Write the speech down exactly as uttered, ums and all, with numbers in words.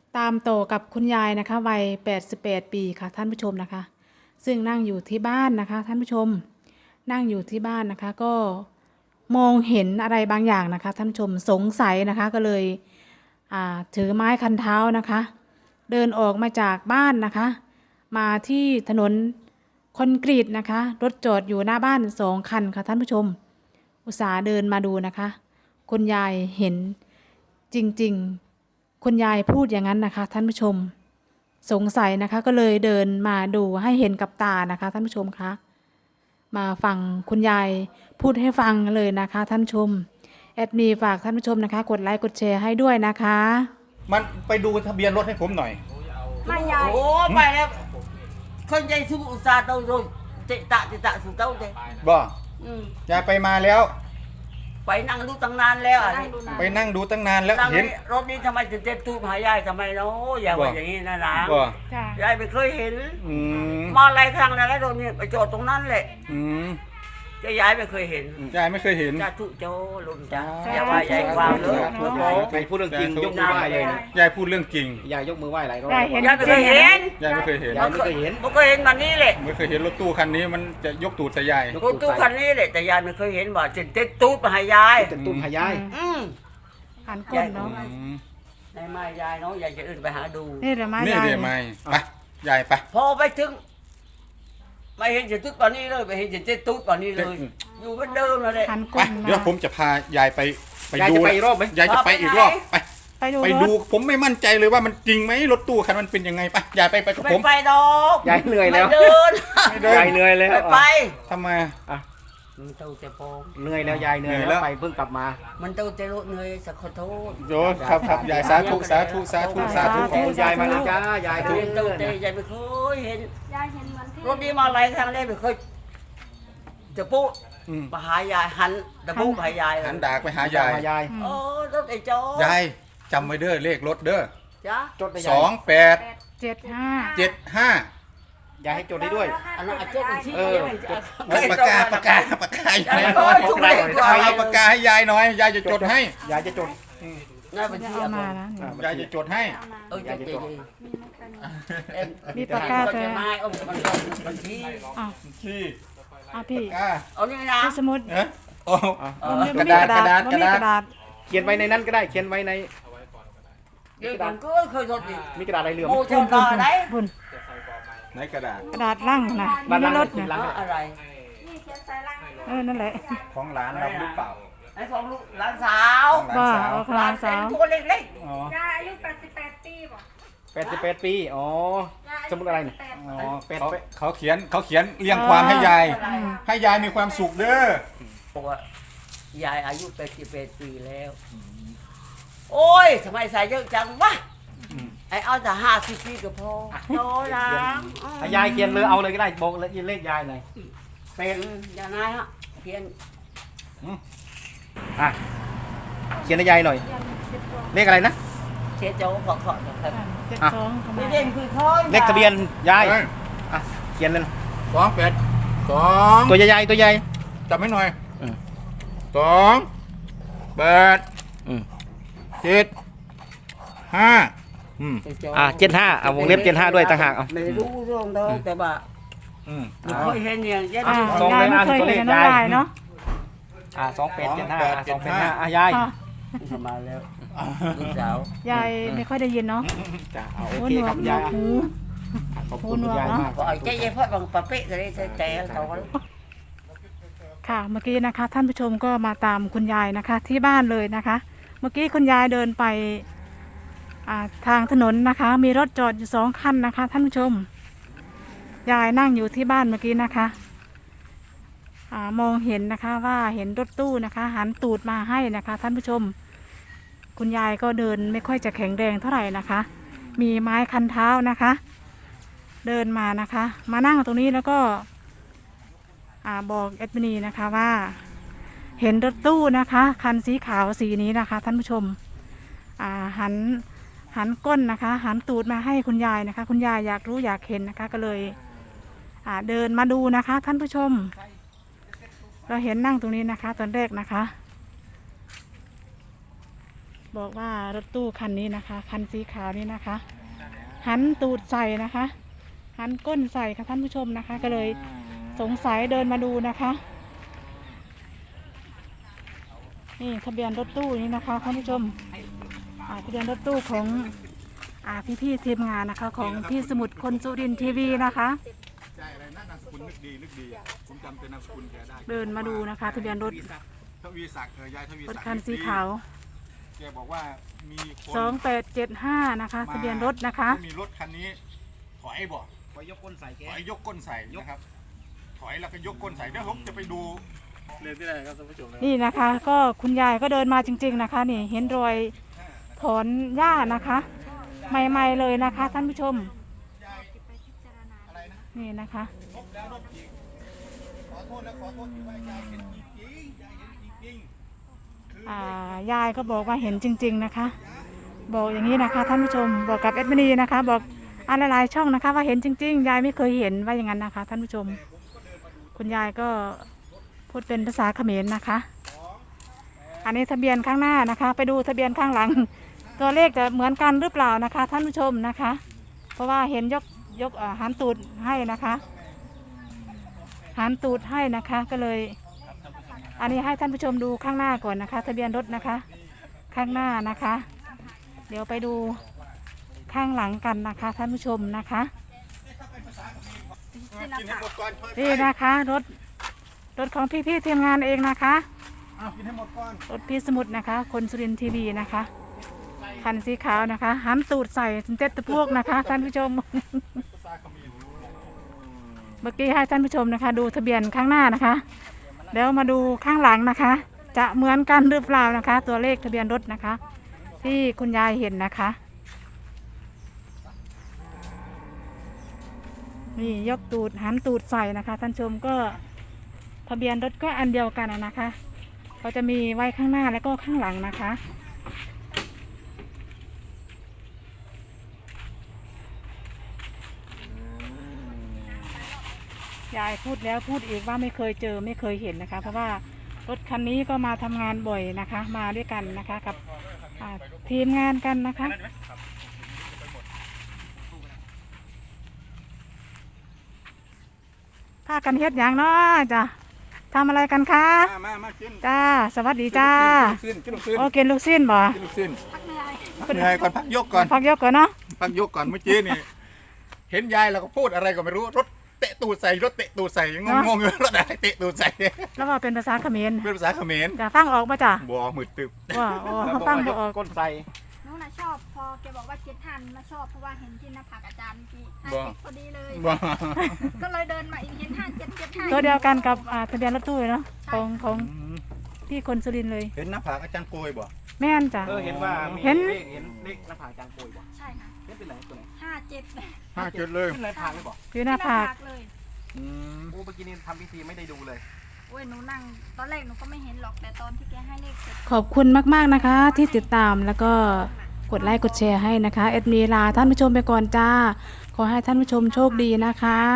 ตามโตกับคุณยายนะคะวัยแปดสิบแปดปีค่ะท่านผู้ชมนะคะ ซึ่งนั่งอยู่ที่บ้านนะคะท่านผู้ชมนั่งอยู่ที่บ้านนะคะก็มองเห็นอะไรบางอย่างนะคะท่านผู้ชมสงสัยนะคะก็เลยอ่าถือไม้คันเท้านะคะ เดินออกมาจากบ้านนะคะ มาที่ถนนคอนกรีตนะคะรถจอดอยู่หน้าบ้านสองคันค่ะท่านผู้ชม อุตส่าห์เดินมาดูนะคะคุณยายเห็นจริงๆคุณยายพูดอย่างนั้นนะคะท่านผู้ชมสงสัยนะคะก็เลยเดินมาดูให้เห็นกับตานะคะท่านผู้ชมคะมาฟังคุณยายพูดให้ฟังเลยนะคะท่านผู้ชมแอดมีฝากท่านผู้ชมนะคะกดไลค์กดแชร์ให้ด้วยนะคะมันไปดูทะเบียนรถให้ผมหน่อยไม่ใหญ่โอ้ไปแล้วคนใจสุอุตสาห์เต้าโดนเตะตะเตะตะสุเต้าเตะบ่อืมยายไปมาแล้วไปนั่งดูตั้งนานแล้วอ่ะไปนั่งดูตั้งนานแล้วนั่งเห็นนี่รถนี้ทำไมถึงเจ็ดตู้หายายทำไมเนาะอย่าว่าอย่างนี้นะนะบ่ยายไม่เคยเห็นอืมมาหลายครั้งแล้วรถนี้ไปจอดตรงนั้นแหละอืมจะยายไม่เคยเห็นยายไม่เคยเห็นจ้าทุโจลุงจ้าอย่าว่ายายความเลยไปพูดเรื่องจริงยกมือไหว้เลยนะยายพูดเรื่องจริงยายยกมือไหว้หลายรอบยายเห็นยายไม่เคยเห็นยายไม่เคยเห็นยายไม่เคยเห็นไม่เคยเห็นมันนี่แหละไม่เคยเห็นรถตู้คันนี้มันจะยกตูดใส่ยายรถตู้คันนี้แหละแต่ยายไม่เคยเห็นว่าจะเจ็ดตู้มาหายายจะตุ้มหายายอืมหันก้นเนาะอืมในไม้ยายเนาะยายจะอื่นไปหาดูนี่เดี๋ยวมานี่ยายเดี๋ยวไม่ไปยายไปพอไปถึงไม่เห็นจะตุ๊ดป่านนี้เลยไม่เห็นจะเจ็ดตุ๊ดป่านนี้เลย อยู่เหมือนเดิมเลยเลยหันไปก้นเดี๋ยวมาผมจะพายายไปไปยายดูจะไปอีกรอบไหมยายจะไปอีกรอบไปไปดูไปรดูถผมไม่มั่นใจเลยว่ามันจริงไหมรถตู้คันมันเป็นยังไงไปยายไปไปกับไม่ผมไปดอกยายเหนื่อยแล้วไม่เดินไม่เดินยายเหนื่อยแล้วไม่ไปทำไมมันเต้าเจ็บปองเหนื่อยแล้วยายเหนื่อยเหนื่อยแล้แล้ว วไปเพิ่งกลับมามันเต้าเจ็บรถเหนื่อยสักขอโทษโยครับครับยายสาธุสาธุสาธุสาธุขอบคุณยายมากนะจ้ายายเห็นเต้าเจ็บยายไม่เคยเห็นรถนี้มาหลายครั้งแล้วไม่เคยจะปุ๊อืมมาหายายหันจะปุ๊หายายหันดากไปหายายยายโอ้รถไอ้จอยายจำไว้เด้อเลขรถเด้อจ้าจดได้สยาอย งแปดเจ็ดห้าเจ็ดห้ายายให้จดได้ด้วยอันนั้นอาจจะเป็นที่เออปากกาปากกาปากกายายยายไม่น้อยถูกเลยเอาปากกาให้ยายหน่อยยายจะจดให้ยายจะจดน่าเป็นที่เอาอะมานะยายจะจดให้เออจะดีมีปากกาแต่แต่ไม้เอามันมันที่อ้าวที่อ้าวพี่กาเอานี่นะที่สมุดเอ๊ะโอ้มันมีกระดาษกระดาษกระดาษมันมีกระดาษเขียนไว้ในนั้นก็ได้เขียนไว้ในเดี๋ยวผมก็เคยทดอีกมีกระดาษอะไรเหลืองโมเจอตาไหนบุญไหนกระดาษกระดาษล่างนะมีในรถนะอะไรเออนั่นแหละของร้านเราหรือเปล่าไอ้ของลูกหลานสาวของร้าว่านสาวเอาคหลาลานเซ็สาน วตัวเล็กอ๋อยายอายุแปดสิบแปดปีบ่แปดสิบแปดปีอ๋อสมุดอะไรเนี่ยอ๋อเขาเขาเขียนเขาเขียนเรียงความให้ยาย ให้ยายมีความสุขเด้อๆบอกว่ายายอายุแปดสิบแปดปีแล้ว โอ้ยทำไมใส่เยอะจังวะไอ้เอาแต่ห้าสิบปีก็พอโตแล้วอ่ะยายเขียนเลยเอาเลยก็ได้บอกเลยเลขยายหน่อยเป็นอย่างไรฮะเพียนอ่ะเขียนให้ยายหน่อย เลขอะไรนะเชโจ้ขอขอครับเจ็ดสองเข้าไม่มาเด่นคือค่อยเลขทะเบียนยายเอ้ยอ่ะเขียนเลยนะสองแปดสองตัวใหญ่ๆตัวใหญ่จับให้หน่อยอืมสองแปดอืมเจ็ดห้าอืมอ่ะเจ็ดห้าเอาวงเล็บเจ็ดห้าด้วยต่างหากเอาไม่รู้เรื่องเดิมแต่ว่าอืมไม่เคยเห็นอย่างเช่นอ่าสองยายเลยไม่อ่ะเคยตัวเลเห็ขนน้ำยายลายเนาะอ่ะสองแปดเจ็ดห้าสองแปดอ่ะสองแปดห้าอ่ะยายอ่ะมาแล้วลูกสาวยายไม่ค่อยได้ยินเนาะจ้ะเอาโอหูเคหนวครักบหนยาวย กอ่ะหูขอบคุณคุณยายมากก็ไอ้เจ๊เจ๊พ่อบางปะเป๊ะเลยแต่เขาค่ะเมื่อกี้นะคะ ท่านผู้ชมก็มาตามคุณยายนะคะ ที่บ้านเลยนะคะ เมื่อกี้คุณยายเดินไปอ่าทางถนนนะคะ มีรถจอดอยู่สองคันนะคะ ท่านผู้ชม ยายนั่งอยู่ที่บ้านเมื่อกี้นะคะอ่ามองเห็นนะคะว่าเห็นรถตู้นะคะ หันตูดมาให้นะคะ ท่านผู้ชม คุณยายก็เดินไม่ค่อยจะแข็งแรงเท่าไหร่นะคะ มีไม้คันเท้านะคะ เดินมานะคะ มานั่งตรงนี้แล้วก็อ่าบอกแอดมินีนะคะว่า เห็นรถตู้นะคะ คันสีขาวสีนี้นะคะ ท่านผู้ชมอ่าหันหันก้นนะคะ หันตูดมาให้คุณยายนะคะ คุณยายอยากรู้อยากเห็นนะคะ ก็เลยอ่าเดินมาดูนะคะ ท่านผู้ชม เราเห็นนั่งตรงนี้นะคะ ตอนแรกนะคะบอกว่ารถตู้คันนี้นะคะ คันสีขาวนี้นะคะ หันตูดใส่นะคะ หันก้นใส่ค่ะท่านผู้ชมนะคะ ก็เลยสงสัยเดินมาดูนะคะ นี่ทะเบียนรถตู้นี้นะคะท่านผู้ชมอ่าทะเบียนรถตู้ของอ่าพี่ๆทีมงานนะคะ ของพี่สมุทรคนสุรินทร์ทีวีนะคะใช่อะไรนะนามสกุลนึกดีนึกดีผมจำเป็นนามสกุลแกได้เดินมาดูนะคะทะเบียนรถทวีศักดิ์เออยายทวีรถศักดิ์คันสีขาวแกบอกว่ามีคนสองแปดเจ็ดห้านะคะทะเบียนรถนะคะมีรถคันนี้ถอยบ่ขอยกก้นใส่แกถอยยกก้นใส่นะครับถอยแล้วก็ยกก้นใส่เดี๋ยวผมจะไปดูเรียนที่ไหนครับท่านผู้ชมนี่นะคะ ก็คุณยายก็เดินมาจริง ๆนะคะ นี่เห็นรอยถอนหญ้านะคะ ใหม่ๆเลยนะคะ ท่านผู้ชมนี่นะคะขอโทษและขอโทษที่ว่ายายเห็นจริงๆยายเห็นจริงๆคืออ่ายายก็บอกว่าเห็นจริง ๆนะคะ บอกอย่างนี้นะคะ ท่านผู้ชมบอกกับเอ็ดมินีนะคะ บอกอะไรหลายๆช่องนะคะ ว่าเห็นจริง ๆ ยายไม่เคยเห็นว่าอย่างนั้นนะคะ ท่านผู้ชม คุณยายก็พูดเป็นภาษาเขมรนะคะ อันนี้ทะเบียนข้างหน้านะคะ ไปดูทะเบียนข้างหลัง ตัวเลขจะเหมือนกันหรือเปล่านะคะ ท่านผู้ชมนะคะ เพราะว่าเห็นยกยกเอ่อหันตูดให้นะคะหันตูดให้นะคะ ก็เลย อันนี้ให้ท่านผู้ชมดูข้างหน้าก่อนนะคะ ทะเบียนรถนะคะ ข้างหน้านะคะ เดี๋ยวไปดูข้างหลังกันนะคะ ท่านผู้ชมนะคะกินให้หมดก่อนค่อยไปนี่นะคะรถรถของพี่ๆทีมงานเองนะคะอ้าวกินให้หมดก่อนรถพี่สมุทรนะคะ คนสุรินทร์ทีวีนะคะคันสีขาวนะคะหันตูดใส่เต็ดตะพวกนะคะ ท่านผู้ชมภาษาเขมรเมื่อกี้ให้ท่านผู้ชมนะคะ ดูทะเบียนข้างหน้านะคะเดี๋ยวมาดูข้างหลังนะคะ จะเหมือนกันหรือเปล่านะคะ ตัวเลขทะเบียนรถนะคะ ที่คุณยายเห็นนะคะ นี่ยกตูดหันตูดใส่นะคะ ท่านชมก็ทะเบียนรถก็อันเดียวกันอะนะคะก็จะมีไว้ข้างหน้าแล้วก็ข้างหลังนะคะ ยายพูดแล้วพูดอีกว่าไม่เคยเจอไม่เคยเห็นนะคะ เพราะว่ารถคันนี้ก็มาทำงานบ่อยนะคะ มาด้วยกันนะคะกับอ่าทีมงานกันนะคะพากันเฮ็ดอย่างเนาะจ้ะทำอะไรกันคะมามามากินจ้าสวัสดีจ้ากินลูกชิ้นกินลูกชิ้นโอกินลูกสิ้นบ่กินลูกชิ้นพักเหนื่อยก่อนพักยกก่อนพักยกก่อนเนาะพักยกก่อนเมื่อกี้นี่เห็นยายเราก็พูดอะไรก็ไม่รู้รถเตะตูดใส่รถเตะตูดใส่งงงๆอยู่รถอะไรเตะตูดใส่แล้วก็เป็นภาษาเขมรเป็นภาษาเขมรจะฟังออกมาจ้ะบัวมืดตึบว่าโอ้เขาฟังบ่ออกก้นใส่หนูน่ะชอบพอแกบอกว่าเจ็ดทันมาชอบเพราะว่าเห็นที่หน้าผากอาจารย์เมื่อกี้ห้าเจ็ดพอดีเลยบัวก็เลยเดินมาอีกเห็นห้าเจ็ดเจ็ดห้าตัวเดียวกันกับอ่าทะเบียนรถตู้เลยเนาะของของพี่คนสุรินทร์เลยเห็นหน้าผากอาจารย์โกยบ่แม่นจ้ะเออเห็นว่ามีเห็นเลขเห็นเลขหน้าผากจางโกยบ่ใช่ค่ะเห็นเป็นไหนตัวไหนห้าเจ็ดห้าจุดเลยขึ้นในผากเลยบ่อยู่หน้าผากเลยอืมโอ้เมื่อกี้นี่ทำพิธีไม่ได้ดูเลยโอ้ยหนูนั่งตอนแรกหนูก็ไม่เห็นหรอกแต่ตอนที่แกให้เลขเสร็จขอบคุณมากๆนะคะ ที่ติดตามแล้วก็กดไลค์กดแชร์ให้นะคะเอ็ดมีลาท่านผู้ชมไปก่อนจ้า ขอให้ท่านผู้ชมโชคดีนะคะ